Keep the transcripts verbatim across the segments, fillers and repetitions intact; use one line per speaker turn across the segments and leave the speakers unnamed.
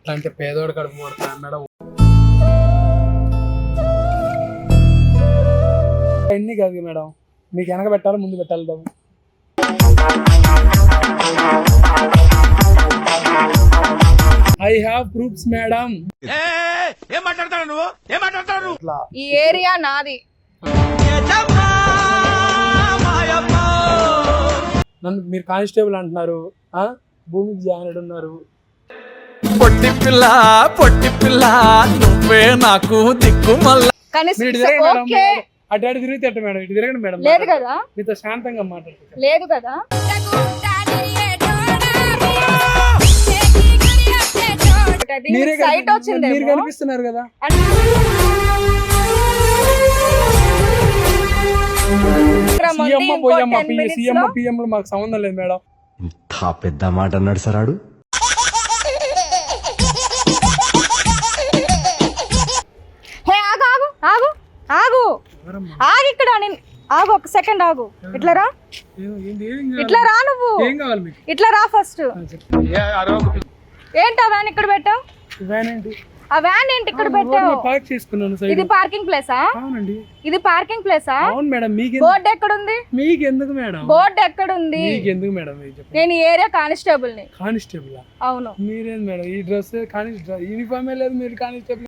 అట్లా అంటే పేదోడు కడుపు కొడతా మేడం. అన్ని కాదు మేడం, మీకు వెనక పెట్టాలి ముందు పెట్టాలి బాబు. I have proofs madam.
ఏం మాట్లాడతావు నువ్వు? ఏం మాట్లాడతావు?
ఈ ఏరియా నాది.
నన్ను మీరు కానిస్టేబుల్ అంటున్నారు, ఆ భూమికి జాయిన్ ఉన్నారు.
పొట్టి పిల్ల పొట్టి పిల్ల నువ్వే నాకు దిక్కు మల్ల.
అటు అటు తిరిగితే అట్ట మేడం, ఇటు తిరగండి మేడం.
లేదు కదా,
మీతో శాంతంగా మాట్లాడుతుంది.
లేదు కదా. సైట్ వచ్చింది,
మీరు కనిపిస్తున్నారు కదా. సీఎం పోయమ్మ సీఎం పిఎం మాకు సంబంధం లేదు మేడం.
ఇంత పెద్ద మాట అన్నాడు సార్ ఆడు.
హే ఆగు ఆగు ఆగు ఆగు ఆగు ఇక్కడ నేను ఆగు, ఒక సెకండ్ ఆగు. ఇట్లా రా, ఇట్లా రా, నువ్వు ఇట్లా రా ఫస్ట్. ఏంటి ఆ వ్యాన్ ఇక్కడ పెట్టావు? ఆ వ్యాన్ ఏంటి ఇక్కడ పెట్టావు?
పార్క్ చేసుకున్నాను.
ఇది పార్కింగ్ ప్లేసా?
అవునండి,
ఇది పార్కింగ్ ప్లేసా?
అవును మేడం. మీకు
బోర్డు ఎక్కడ ఉంది?
మీకు ఎందుకు మేడం
బోర్డు ఎక్కడ ఉంది?
మీకు ఎందుకు మేడం?
నేను ఈ ఏరియా కానిస్టేబుల్ ని.
కానిస్టేబుల్?
అవును.
మీరేం మేడం ఈ డ్రెస్ కానిస్టేబుల్ యూనిఫామే లేదు, మీరు కానిస్టేబుల్.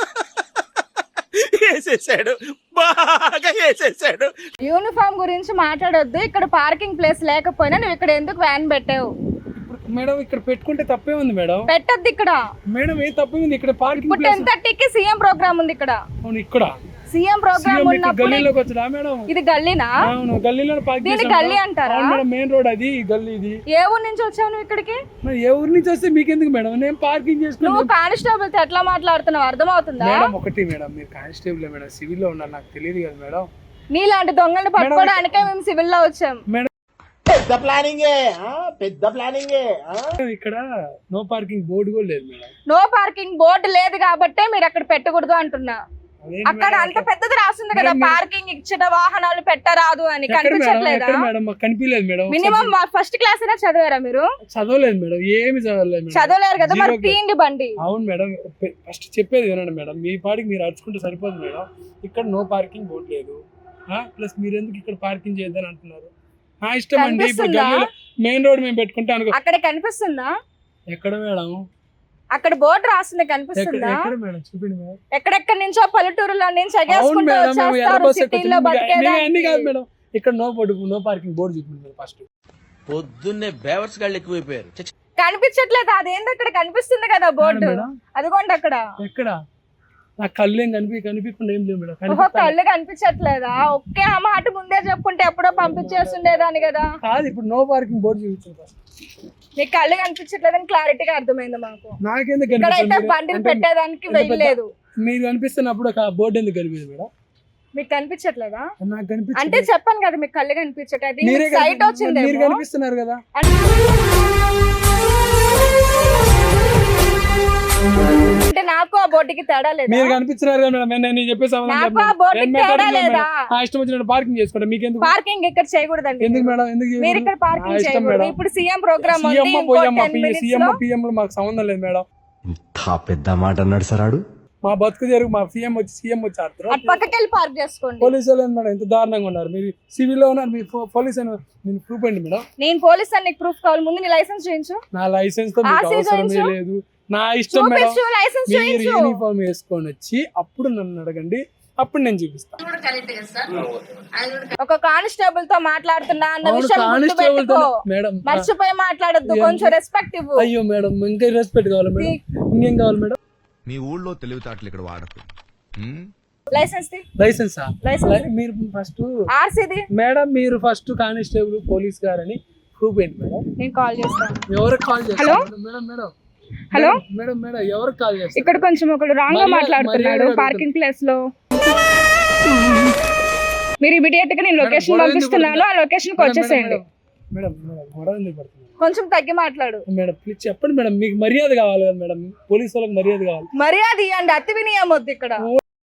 వేసేసాడు, బాగా వేసేసాడు.
యూనిఫామ్ గురించి మాట్లాడొద్దు. ఇక్కడ పార్కింగ్ ప్లేస్ లేకపోయినా నువ్వు ఇక్కడ ఎందుకు వ్యాన్ పెట్టావు?
మేడం ఇక్కడ పెట్టుకుంటే తప్పే ఉంది మేడం.
పెట్టొద్దు ఇక్కడ
మేడం. ఏ తప్పే ఉంది ఇక్కడ? పార్కింగ్
ఇప్పుడు టెన్ థర్టీకి సీఎం ప్రోగ్రామ్ ఉంది ఇక్కడ.
అవును, ఇక్కడ
సీఎం ప్రోగ్రామ్ ఉన్నప్పుడు
గల్లీలోకి వచ్చా మేడం?
ఇది గల్లీనా?
అవును, గల్లీలో పార్క్
దీని గల్లీ అంటారా?
మేడం మెయిన్ రోడ్ అది, గల్లీ ఇది.
ఏ ఊరు నుంచి వచ్చావు నువ్వు ఇక్కడికి?
మరి ఏ ఊరు నుంచి వస్తే మీకు ఎందుకు మేడం? నేను పార్కింగ్ చేసుకున్నాను.
నువ్వు కానిస్టేబుల్ తో ఎట్లా మాట్లాడుతున్నావు అర్థమవుతుందా?
మేడం ఒకటి మేడం, మీరు కానిస్టేబుల్ మేడం, సివిల్ లో ఉన్నారు, నాకు తెలియదు కదా మేడం.
నీలాంటి దొంగల్ని పట్టుకోవడానికే మేము సివిల్ లో వచ్చాం.
పెద్ద ప్లానింగ్ పెద్ద ప్లానింగ్.
ఇక్కడ నో పార్కింగ్ బోర్డు కూడా లేదు మేడం.
నో పార్కింగ్ బోర్డు లేదు కాబట్టే మీరు అక్కడ పెట్టకూడదు అంటున్నా. అక్కడ అంత పెద్దది రాస్తుంది కదా, పార్కింగ్ ఇచ్చిన వాహనాలు పెట్టరాదు అని. కనిపించట్లేదా
మేడం? కనిపించలేదు మేడం.
మినిమం ఫస్ట్ క్లాస్ అయినా చదివారా మీరు?
చదవలేదు మేడం, ఏమి చదవలేదు.
చదవలేరు కదా, మరి తీయండి బండి.
అవును మేడం, ఫస్ట్ చెప్పేది వినండి మేడం. మీ పార్టీకి మీరు అడుచుకుంటే సరిపోదు మేడం. ఇక్కడ నో పార్కింగ్ బోర్డు లేదు, ప్లస్ మీరు ఎందుకు ఇక్కడ పార్కింగ్ చేయొద్దని అంటున్నారు? నా ఇష్టం అండి. ఇప్పుడు మెయిన్ రోడ్ మేము పెట్టుకుంటే అనుకో.
అక్కడ కనిపిస్తుందా?
ఎక్కడ మేడం?
అక్కడ బోర్డు రాస్తుంది, కనిపిస్తుందా?
ఎక్కడ మేడం? చూపిండి మేడం.
ఎక్కడెక్కడ నుంచో పల్లెటూరులో నుంచి ఎగేసుకుంటూ వచ్చేస్తారు సిటీలో బతికేదానికి.
కాదు మేడం, ఇక్కడ no board, no parking board చూపిండి ఫస్ట్.
పొద్దున్నే బేవర్స్ గాళ్ళు ఎక్కువైపోయారు.
కనిపించట్లేదు, అదేందో ఇక్కడ కనిపిస్తుంది కదా బోర్డు, అదిగోండి అక్కడ.
ఎక్కడ? నా కళ్ళు ఏం కనిపి కనిపించకుండా ఏం లేదు మేడం.
కళ్ళు కనిపించట్లేదా? ఒకే ఆ మాట ముందే చెప్పుకుంటే ఎప్పుడో పంపించేస్తుండేదాన్ని కదా.
కాదు, ఇప్పుడు నో పార్కింగ్ బోర్డు చూపించారు.
మీకు కళ్ళు కనిపించట్లేదని క్లారిటీగా అర్థమైంది మాకు.
నాకెందుకు
ఇక్కడైతే బండిని పెట్టేదానికి వెళ్ళలేదు.
మీరు కనిపిస్తున్నప్పుడు బోర్డు ఎందుకు కనిపించదు మేడం?
మీకు కనిపించట్లేదా?
నాకు కనిపించ
అంటే చెప్పాను కదా మీకు కళ్ళు కనిపించట్లేదు. సైట్ వచ్చింది,
మీరు కనిపిస్తున్నారు కదా.
అంటే నాకు ఆ బోర్డుకి తేడా లేదా?
మీరు కనిపిస్తున్నారు కదా మేడం, నేను చెప్పేసాను.
నాకు ఆ బోర్డుకి తేడా లేదా?
ఇష్టం వచ్చినట్టు పార్కింగ్ చేసుకోండి. మీకు ఎందుకు
పార్కింగ్ ఇక్కడ చేయకూడదండి?
ఎందుకు మేడం? ఎందుకు
మీరు ఇక్కడ పార్కింగ్ చేయకూడదు. ఇప్పుడు సీఎం ప్రోగ్రామ్ ఉంది,
సీఎం పిఎం మాకు సంబంధం లేదు మేడం.
ఇంత పెద్ద మాట అన్నాడు సార్ ఆడు.
మా బతుకు జరుగు, మా సీఎం వచ్చి సీఎం వచ్చి ఆడుతారు.
పక్కకి వెళ్ళి పార్క్ చేసుకోండి.
పోలీసు వాళ్ళు మేడం ఎంత దారుణంగా ఉన్నారు. మీరు సివిల్ లో ఉన్నారు, మీరు పోలీస్ అని మీరు ప్రూఫ్ అండి మేడం.
నేను పోలీస్ అని ప్రూఫ్ కావాలి, ముందు నీ లైసెన్స్ చేయించు.
నా లైసెన్స్ తో మీకు అవసరమే లేదు, నా ఇష్టం మేడం. మీరు యూనిఫామ్ వేసుకొని వచ్చి అప్పుడు నన్ను అడగండి, అప్పుడు నేను చూపిస్తాను.
ఒక కానిస్టేబుల్ తో మాట్లాడుతున్నా అన్న విషయం మేడం, మర్చిపోయి మాట్లాడొద్దు, కొంచెం రెస్పెక్ట్ ఇవ్వు.
అయ్యో మేడం, ఇంకా రెస్పెక్ట్ కావాలి మేడం. ఇంకేం కావాలి మేడం?
మీ ఊళ్ళో తెలివితేటలు ఇక్కడ వాడకు.
లైసెన్స్
లైసెన్స్ మీరు ఫస్ట్
ఆర్సీది
మేడం. మీరు ఫస్ట్ కానిస్టేబుల్ పోలీస్ గారని ప్రూఫ్ ఏంటి మేడం?
నేను కాల్ చేస్తాను.
ఎవరికి కాల్ చేస్తాను madam? Madam
hello
madam madam ఎవరికి కాల్ చేస్తారు?
ఇక్కడ కొంచెం ఒకడు రాంగ్ గా మాట్లాడుతున్నాడు పార్కింగ్ ప్లేస్ లో. మీరు ఇమిడియట్ గా నేను లొకేషన్ పంపిస్తున్నాను, ఆ లొకేషన్ కి వచ్చేసేయండి.
మేడం మేడం గొడవ ఎందుకు పడుతుంది?
కొంచెం తగ్గి మాట్లాడు
మేడం, ప్లీజ్ చెప్పండి మేడం. మీకు మర్యాద కావాలి కదా మేడం, పోలీసు వాళ్ళకి మర్యాద కావాలి.
మర్యాద ఇవ్వండి, అతి వినియమొద్దు ఇక్కడ.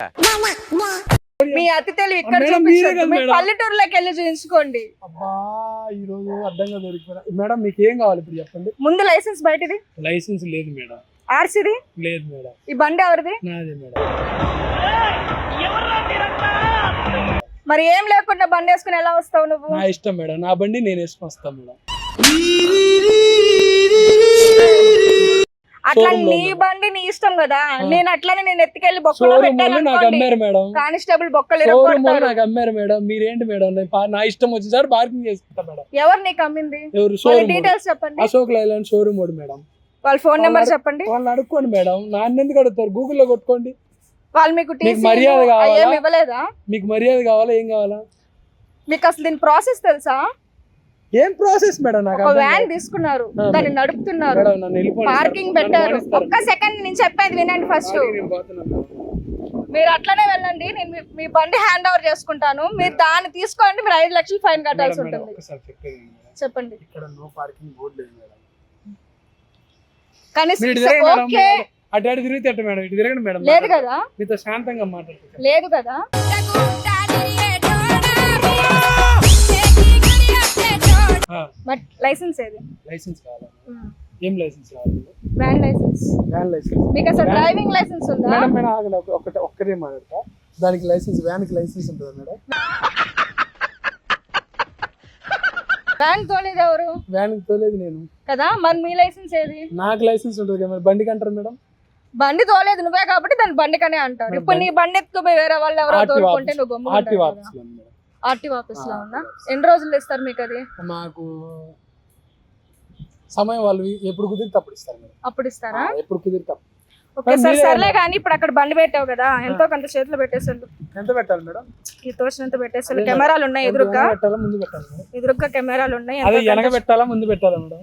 మీ అతి తెలివి ఇక్కడ చూపించండి, పల్లెటూరులోకి వెళ్ళి చూపించుకోండి.
అబ్బా ఈ రోజు అడ్డంగా దొరికిపోయినా. మేడం మీకు ఏం కావాలి ఇప్పుడు చెప్పండి?
ముందు లైసెన్స్ బయటది.
లైసెన్స్ లేదు మేడం.
ఆర్సీది
లేదు మేడం,
ఈ బండి ఎవరిది?
నాదే మేడం.
మరి ఏం లేకుండా బండి వేసుకుని ఎలా వస్తావు నువ్వు?
నా ఇష్టం మేడం, నా బండి నేను వేసుకొని వస్తాను మేడం.
అట్లా
Showroom లో
నీ
ఉందా?
బండి నీ ఇష్టం కదా. నేను అట్లనే నేను ఎత్తుకెళ్లి బొక్కలో
షోరూమ్
పెట్టాను
వాళ్ళు నాకు
అనుకోండి,
అమ్మారు మేడం.
కానిస్టేబుల్ బొక్కలు
షోరూమ్ వాళ్ళు
ఇరగొడతారు.
నాకు అమ్మారు మేడం. మీరేంటి మేడం, నేను పా- నా ఇష్టం వచ్చిన సార్ పార్కింగ్ చేసుకుంటా మేడం.
ఎవరు నీకు అమ్మింది?
ఎవరు?
వాళ్ళ
షోరూమ్ వాడు.
డీటెయిల్స్ చెప్పండి,
అశోక్ లైలాండ్ షోరూమ్ వాడు మేడం.
వాళ్ళ ఫోన్ నెంబర్
వాళ్ళ-
చెప్పండి.
వాళ్ళని అడుక్కోండి మేడం, నాన్న ఎందుకు అడుగుతారు? గూగుల్లో కొట్టుకోండి.
వాళ్ళు మీకు
మీకు
టీసీ
మర్యాద కావాలా?
ఏం ఇవ్వలేదా?
మీకు మర్యాద కావాలా? ఏం కావాలా?
మీకు అసలు దీని ప్రాసెస్ తెలుసా?
ఏం ప్రాసెస్ మేడం? నాకు
ఒక
అర్థం
వ్యాన్
కాదు.
తీసుకున్నారు,
ఆ,
దాన్ని
మేడం.
నడుపుతున్నారు,
మేడం, నన్ను వెళ్ళిపోండి సార్.
పార్కింగ్
నన్ను
పెట్టారు.
మానేస్తారు
ఒక్క సెకండ్ నేను చెప్పేది వినండి ఫస్ట్.
పార్కింగ్ నేను పోతున్నాను మేడం.
మీరు అట్లనే వెళ్ళండి, నేను మీ- మీ బండి హ్యాండ్ ఓవర్ చేసుకుంటాను. మీరు దాన్ని తీసుకోండి, మీరు ఐదు లక్షలు ఫైన్ కట్టాల్సి
మేడం, మేడం,
ఉంటుంది.
ఒక్కసారి చెప్పేది వినండి మేడం.
చెప్పండి.
ఇక్కడ నో పార్కింగ్ బోర్డు లేదు మేడం.
కనీసం
మీరు ఇటు తిరగండి మేడం.
ఓకే
అటు అటు తిరిగితే అట్ట మేడం, ఇటు తిరగండి మేడం.
లేదు కదా,
మీతో శాంతంగా మాట్లాడుతుంది.
లేదు కదా. బట్ లైసెన్స్ ఏది?
లైసెన్స్ కావాలా? ఏం లైసెన్స్ కావాలి?
Van licence.
Van licence.
మీకు అసలు డ్రైవింగ్ లైసెన్స్ ఉందా?
మేడం మేడం ఆగండి, ఒక- ఒకటే ఒక్కటే మాట్లాడతా. దానికి లైసెన్స్, వ్యాన్ కి లైసెన్స్ ఉంటుందా మేడం?
వ్యాన్ తోలేదు ఎవరు
వ్యాన్ కి తోలేదు నేను
కదా, మరి మీ లైసెన్స్ ఏది?
నాకు లైసెన్స్ ఉంటుంది కదా మరి బండికి అంటారు మేడం.
బండి తోలేదు నువ్వే కాబట్టి దాని బండికనే అంటారు.
మరి
ఇప్పుడు నీ బండి ఎత్తుకుపోయి వేరే వాళ్ళు ఎవరో
ఆర్టీఓ
తోలుకుంటే
ఆఫీస్-
నువ్వు గమ్మున
ఆర్టీఓ
ఉంటావు
ఆఫీస్
కదా.
లో ఉంది మేడం.
ఆర్టీఓ ఆఫీస్ లో
ఆ,
ఉందా?
RTO office.
ఎన్ని రోజులు ఇస్తారు మీకు అది?
మాకు సమయం వాళ్ళు ఎప్పుడు కుదిరితే అప్పుడు ఇస్తారు మేడం.
అప్పుడు ఇస్తారా?
ఆ, ఎప్పుడు కుదిరితే అప్పుడు.
ఓకే సార్,
మీరే
సర్లే
అన్నారు.
కానీ ఇప్పుడు అక్కడ బండి పెట్టావు కదా, ఎంతో కొంత చేతిలో పెట్టేసాడు,
ఎంత పెట్టాలి మేడం?
ఈ తోచినంత పెట్టేసాడు.
అదే
కెమెరాలు ఉన్నాయి ఎదురుగ్గా,
వెనక పెట్టాలా ముందు పెట్టాలి మేడం?
ఎదురుగ్గా కెమెరాలు ఉన్నాయి.
అదే
ఎంతో
వెనక
కొంత-
పెట్టాలా ముందు పెట్టాలా మేడం?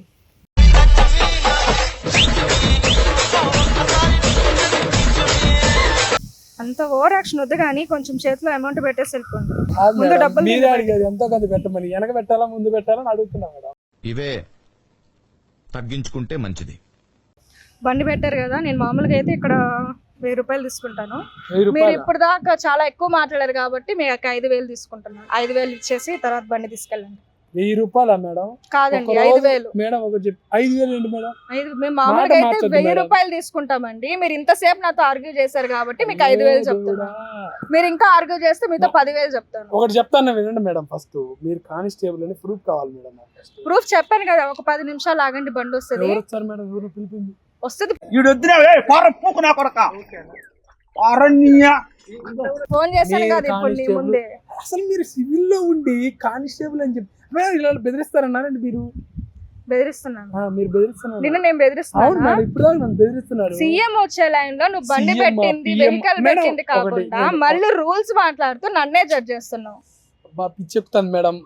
అంత ఓవర్ యాక్షన్ వద్దు కానీ కొంచెం చేతిలో అమౌంట్ పెట్టేసి వెళ్ళిపోండి.
కాదు
ముందు
మేడం,
డబ్బులు
మీరే
ముందు
అడిగేది ఎంతో కొంత పెట్టమని. వెనక పెట్టాలా ముందు పెట్టాలా అని అడుగుతున్నా మేడం.
ఇవే తగ్గించుకుంటే మంచిది.
బండి పెట్టారు కదా, నేను మామూలుగా అయితే ఇక్కడ వెయ్యి రూపాయలు తీసుకుంటాను.
వెయ్యి
మీరు
రూపాయలు
ఇప్పుడు దాకా చాలా ఎక్కువ మాట్లాడారు కాబట్టి మీకు ఐదు వేలు తీసుకుంటున్నాను. ఐదు వేలు ఇచ్చేసి తర్వాత బండి తీసుకెళ్ళండి.
వెయ్యి రూపాయలా మేడం?
కాదండి,
ఒక
ఐదు
రోజు-
వేలు.
మేడం ఒక చెప్పి ఐదు వేలు ఏంటి మేడం?
ఐదు మేము మామూలుగా అయితే
మార్చొద్దు
వెయ్యి
మేడం.
రూపాయలు తీసుకుంటామండి. మీరు ఇంతసేపు నాతో ఆర్గ్యూ చేశారు కాబట్టి మీకు ఐదు వేలు చెప్తున్నా. మీరు ఇంకా ఆర్గ్యూ చేస్తే మీతో పదివేలు చెప్తాను.
ఒకటి చెప్తాను వినండి మేడం. ఫస్ట్ మీరు కానిస్టేబుల్ అని ప్రూఫ్ కావాలి మేడం. నాకు first.
ప్రూఫ్ చెప్పాను కదా, ఒక పది నిమిషాలు ఆగండి, బండి వస్తుంది.
ఎవరు వచ్చారు మేడం? ఎవరు పిలిపింది?
వస్తుంది. ఫోన్ చేశాను
మీరు
కదా ఇప్పుడు నీ
కానిస్టేబుల్-
ముందే.
అసలు మీరు సివిల్ లో ఉండి కానిస్టేబుల్ అని చెప్పి మేడం ఇలా బెదిరిస్తారన్నారండి మీరు?
బెదిరిస్తున్నాను
ఆ, మీరు బెదిరిస్తున్నారు.
నిన్ను, నేను
అవును
బెదిరిస్తున్నాను.
మేడం, ఇప్పుడు దాకా నన్ను బెదిరిస్తున్నారు.
సీఎం వచ్చే లైన్ లో నువ్వు బండి
సీఎం ఆ,
పెట్టింది
పీఎం
వెహికల్
మేడం,
పెట్టింది
ఒకటి
కాకుండా
నేను-
మళ్ళీ రూల్స్ మాట్లాడుతూ నన్నే జడ్జ్ చేస్తున్నావు.
బా పిచ్చి చెప్తాను మేడం.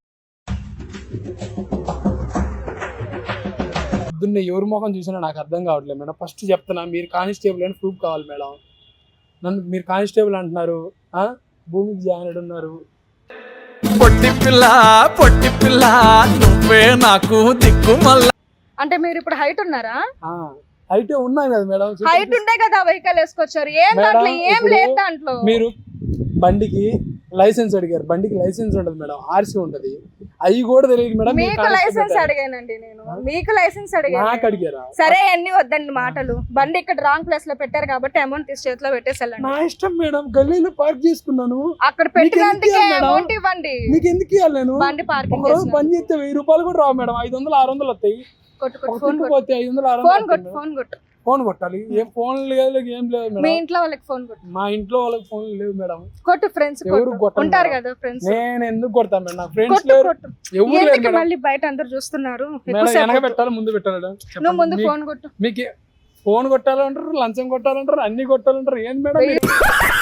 పొద్దున్నే ఎవరి ముఖం చూసినా నాకు అర్థం కావట్లేదు మేడం. ఫస్ట్ చెప్తున్నా, మీరు కానిస్టేబుల్ అని ప్రూఫ్ కావాలి మేడం. నన్ను మీరు కానిస్టేబుల్ అంటున్నారు, ఆ భూమికి జాయిన్ ఉన్నారు.
పొట్టి పిల్ల పొట్టి పిల్ల నువ్వే నాకు దిక్కుమల్ల.
అంటే మీరు ఇప్పుడు హైట్ ఉన్నారా?
ఆ, అయితే ఉన్నాయి కదా మేడం.
హైట్ ఉండే కదా వెహికల్ వేసుకొచ్చారు. ఏం
మేడం,
దాంట్లో ఏం
ఇప్పుడు
లేదు దాంట్లో.
మీరు బండికి లైసెన్స్ అడిగారు. బండికి లైసెన్స్ ఉండదు మేడం, ఆర్సీ ఉంటది. అవి కూడా తెలియదు మేడం. మీరు
మీకు
కానిస్టేబుల్
లైసెన్స్
పెట్టారు.
అడిగానండి నేను, మీకు లైసెన్స్
నాకు
అడిగాను.
అడిగారా?
సరే అన్ని వద్దండి మాటలు. బండి ఇక్కడ రాంగ్ ప్లేస్ లో పెట్టారు కాబట్టి అమౌంట్ తీసి చేతిలో పెట్టేసి వెళ్ళండి.
నా ఇష్టం మేడం, గల్లీలో పార్క్ చేసుకున్నాను.
అక్కడ
మీకు ఎందుకు
పెట్టినందుకే
ఇవ్వాలి మేడం?
అమౌంట్ ఇవ్వండి.
మీకు ఎందుకు ఇవ్వాలి నేను?
బండి పార్కింగ్
ఒక రోజు పని చేస్తే వెయ్యి రూపాయలు కూడా రావు మేడం. ఐదు వందలు ఆరు వందలు వస్తాయి.
కొట్టు కొట్టు
ఒక
ఫోన్
ట్రిప్
కొట్టు
పోతే ఐదు వందలు ఆరు
ఫోన్
వందలు
కొట్టు
వస్తాయి
ఫోన్ కొట్టు.
మేడం. ఫోన్ కొట్టాలి. ఏం ఫోన్ లేదు, ఏం లేదు
మీ
మేడం.
ఇంట్లో వాళ్ళకి ఫోన్ కొట్టు.
మా ఇంట్లో వాళ్ళకి ఫోన్ లేవు మేడం.
కొట్టు ఫ్రెండ్స్
ఎవరు కొట్టను
ఉంటారు
మేడం.
కదా ఫ్రెండ్స్.
నేను ఎందుకు కొడతాను మేడం? నా ఫ్రెండ్స్
కొట్టు
లేరు,
కొట్టు.
ఎవరు లేరు
ఎందుకు
మేడం.
మళ్ళీ బయట అందరు చూస్తున్నారు?
మేడం
ఎక్కువసేపు
వెనక
వద్దు.
పెట్టాలి ముందు పెట్టాలి మేడం?
నువ్వు ముందు
చెప్పండి.
ఫోన్ కొట్టు.
మీకు ఫోన్ కొట్టాలంటారు, లంచం కొట్టాలంటారు, అన్ని కొట్టాలంటారు. ఏంది మేడం
వెయ్యి
మీరు?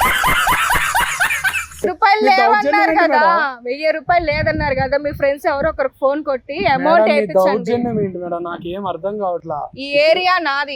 రూపాయలు
మీ దౌర్జన్యం
లేవన్నారు
ఏంటి
కదా,
మేడం?
వెయ్యి రూపాయలు లేదన్నారు కదా, మీ ఫ్రెండ్స్ ఎవరో ఒకరికి ఫోన్ కొట్టి అమౌంట్
మేడం, మీ
వేయించండి.
దౌర్జన్యం ఏంటి మేడం? నాకేం అర్థం కావట్లా.
ఈ ఏరియా నాది.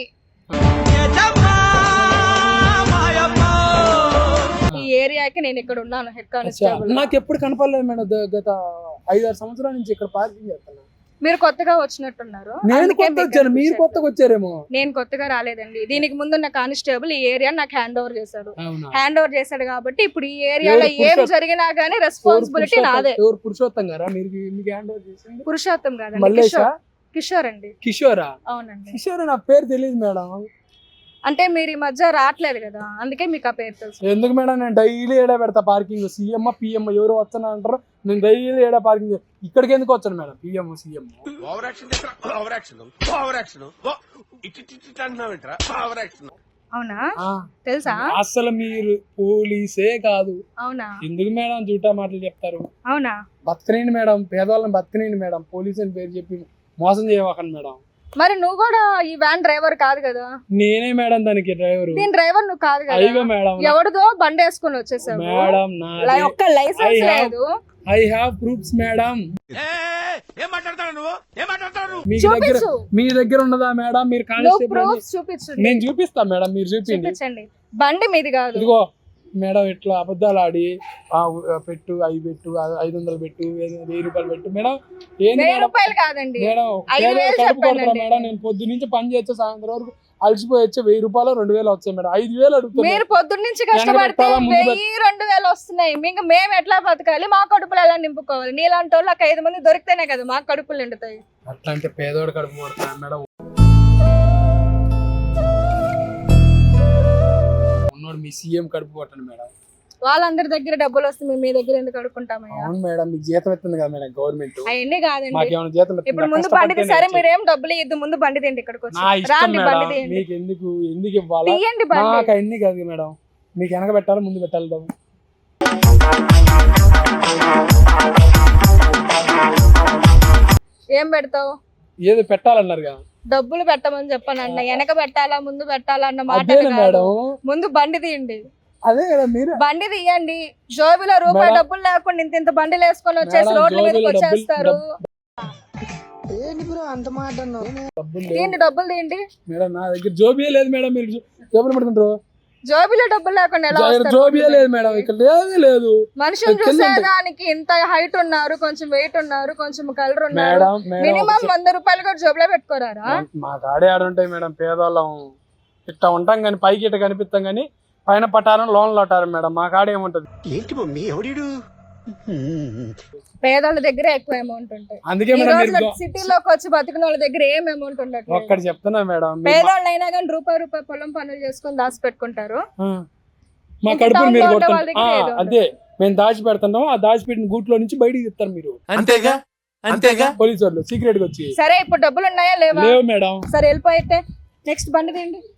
ఈ ఏరియాకి నేను ఇక్కడ ఉన్నాను హెడ్
అచ్చా,
కానిస్టేబుల్.
నాకు ఎప్పుడు కనపడలేదు మేడం. ద- గత ఐదారు సంవత్సరాల నుంచి ఇక్కడ పార్కింగ్ చేస్తాను.
మీరు కొత్తగా వచ్చినట్టున్నారు.
నేను
అందుకే
కొత్త
మీకు
వచ్చాను, మీరు
అనిపించట్లేదు.
కొత్తగా వచ్చారేమో.
నేను కొత్తగా రాలేదండి. దీనికి ముందున్న కానిస్టేబుల్ ఈ ఏరియా నాకు హ్యాండ్ ఓవర్ చేశాడు.
అవునా?
హ్యాండ్ ఓవర్ చేశాడు కాబట్టి ఇప్పుడు ఈ ఏరియాలో
ఎవరు
ఏం
పురుషోత్తం?
జరిగినా గానీ
ఎవరు
రెస్పాన్సిబిలిటీ
పురుషోత్తం-
నాదే.
ఎవరు పురుషోత్తం గారా? మీరు మీకు హ్యాండ్ ఓవర్ చేసింది?
పురుషోత్తం కాదండి,
మల్లేషా?
కిషోర్. కిషోర్ అండి.
కిషోరా?
అవునండి.
కిషోర్ నా పేరు తెలియదు మేడం.
అంటే మీరు ఈ మధ్య రావట్లేదు కదా, అందుకే మీకు ఆ పేరు తెలుసు.
ఎందుకు మేడం, నేను డైలీ ఏడా పెడతా పార్కింగ్. సీఎం పిఎం ఎవరు వస్తున్నా అంటారు, నేను డైలీ ఏడా పార్కింగ్. ఇక్కడికి ఎందుకు వచ్చాను madam? PM CM
over action over action over action ఇటు ఇటు ఇటు అంటున్నావేంట్రా ఓవర్ యాక్షన్.
అవునా? తెలుసా?
అసలు మీరు పోలీసే కాదు.
అవునా?
ఎందుకు మేడం జూటా మాటలు చెప్తారు?
అవునా?
బతకనేయండి మేడం, పేదవాళ్ళని బతకనేయండి మేడం. పోలీస్ అని పేరు చెప్పి మోసం చేయవకండి మేడం.
మరి నువ్వు కూడా ఈ వ్యాన్ డ్రైవర్ కాదు కదా?
నేనే మేడం దానికి డ్రైవర్.
దీని డ్రైవర్ నువ్వు కాదు
అయ్యో
కదా?
మేడం,
ఎవరిదో బండి వేసుకొని వచ్చేసావు
మేడం
లై- ఒక్క లైసెన్స్ లేదు.
I have proofs madam.
ఏం మాట్లాడతావు నువ్వు ఏం మాట్లాడతావు నువ్వు?
మీ దగ్గర
చూపించు.
మీ దగ్గర ఉన్నదా మేడం? మీరు
నువ్వు
కానిస్టేబుల్
ప్రూఫ్ చూపించు.
నేను చూపిస్తా మేడం, మీరు చూపించండి.
చూపించండి. బండి మీది కాదు.
ఇదిగో మేడం, ఇట్లా అబద్ధాలు ఆడి ఆ ఉ- పెట్టు అవి పెట్టు ఆ ఐదు వందలు పెట్టు వెయ్యి వెయ్యి రూపాయలు పెట్టు మేడం. ఏంది
వెయ్యి
మేడం?
రూపాయలు కాదండి,
మేడం
ఐదు
పేదవాళ్ళు
వేలు
కడుపు కొడతారా
చెప్పానండి.
మేడం? నేను పొద్దు నుంచి పని చేస్తే సాయంత్రం వరకు అలసిపోయి వచ్చే వెయ్యి రూపాయలు రెండు వేలు వచ్చాయి మేడం. ఐదు వేలు అడుగుతాను.
మీరు పొద్దున్న నుంచి కష్టపడితే
పెట్టాలా, ముందు
వెయ్యి రెండు వేలు వస్తున్నాయి. మీకు మేము ఎట్లా బతకాలి? మా కడుపులు ఎలా నింపుకోవాలి? నీలాంటి వాళ్ళు ఒక ఐదు మంది దొరికితేనే కదా మా కడుపులు నిండుతాయి.
అట్లా అంటే పేదవాడు కడుపు కొడతాను మేడం. ఉన్నోడు మీ సీఎం కడుపు కొట్టండి మేడం.
వాళ్ళందరి దగ్గర డబ్బులు వస్తే మేము మీ దగ్గర ఎందుకు అడుక్కుంటామయ్యా?
అవును మేడం, మీకు జీతం ఇస్తుంది కదా మేడం గవర్నమెంట్.
అవన్నీ కాదండి.
మాకేమైనా జీతం ఇస్తుందా?
ఇప్పుడు ముందు బండి తీ- సరే మీరేం డబ్బులు ఇద్దు, ముందు బండి తిండి ఇక్కడికి వచ్చి
నా ఇష్టం
రాండి, బండి
మేడం.
తీయండి.
మీకు ఎందుకు ఎందుకు ఇవ్వాలా?
తీయండి బండి.
నాకు అన్ని కాదు మేడం, మీకు వెనక పెట్టాలి ముందు పెట్టాలి డబ్బు.
ఏం పెడతావు?
ఏదో పెట్టాలన్నారు కదా.
డబ్బులు పెట్టమని చెప్పాను అన్న. వెనక పెట్టాలా ముందు పెట్టాలా అన్న మాట
అదే మేడం,
ముందు బండి తీయండి.
అదే కదా మీరు.
బండి తీయండి. జోబిలో రూపాయి
మేడం.
డబ్బులు లేకుండా ఇంత ఇంత బండిలు వేసుకొని వచ్చేసి
మేడం,
రోడ్ల మీదకి
జోబీలో డబ్బులు-
వచ్చేస్తారు.
డబ్బులు లేవు
తీయండి, డబ్బులు తీయండి.
మేడం, నా దగ్గర జోబియే లేదు మేడం. మీరు జో- జోబులు పెడుతుంటారు.
జోబిలో డబ్బులు లేకుండా ఎలా
జో-
వస్తారు?
జోబియే లేదు మేడం, ఇక్కడ లేదే లేదు.
మనుషులు
కింద ఉంటాయి.
చూసేదానికి ఇంత హైట్ ఉన్నారు, కొంచెం వెయిట్ ఉన్నారు, కొంచెం కలర్ ఉన్నారు.
మేడం మేడం
మినిమం వంద రూపాయలు కూడా జోబులో పెట్టుకోరారా?
మా కాడే ఆడుంటాయి మేడం. పేదవాళ్ళం ఇట్లా ఉంటాం కానీ పైకి ఇట్లా కనిపిస్తాం కానీ పైన పట్టారం లోన్లు పట్టారు మేడం. మా కాడ ఏముంటది?
ఏంటి మమ్మీ ఎవడీడు?
పేదోళ్ళ దగ్గర ఎక్కువ అమౌంట్ ఉంటాయి.
అందుకే
ఈ
మేడం
రోజు
మీరు
సిటీలోకి వచ్చి బతికిన వాళ్ళ దగ్గర ఏం అమౌంట్ ఉండట్లేదు.
ఒక్కటి చెప్తున్నా మేడం, మీరు మా-
పేదోళ్ళు అయినా కానీ రూపాయి రూపాయి పొలం పనులు చేసుకొని దాచి పెట్టుకుంటారు.
ఆ, మా
ఇంకా
కడుపులు
town
మీరు
లో ఉండే
కొడుతుంటారు.
వాళ్ళ దగ్గర ఏదో ఉండదు.
అదే మేము దాచి పెడుతున్నాం, ఆ దాచి పెట్టిన గూట్లో నుంచి బయటికి ఇస్తారు మీరు
అంతేగా అంతేగా
పోలీసు వాళ్ళు సీక్రెట్ గా వచ్చి.
సరే ఇప్పుడు డబ్బులు ఉన్నాయా లేవా?
లేవు మేడం.
సరే వెళ్ళిపోయితే నెక్స్ట్ బండి తీయండి.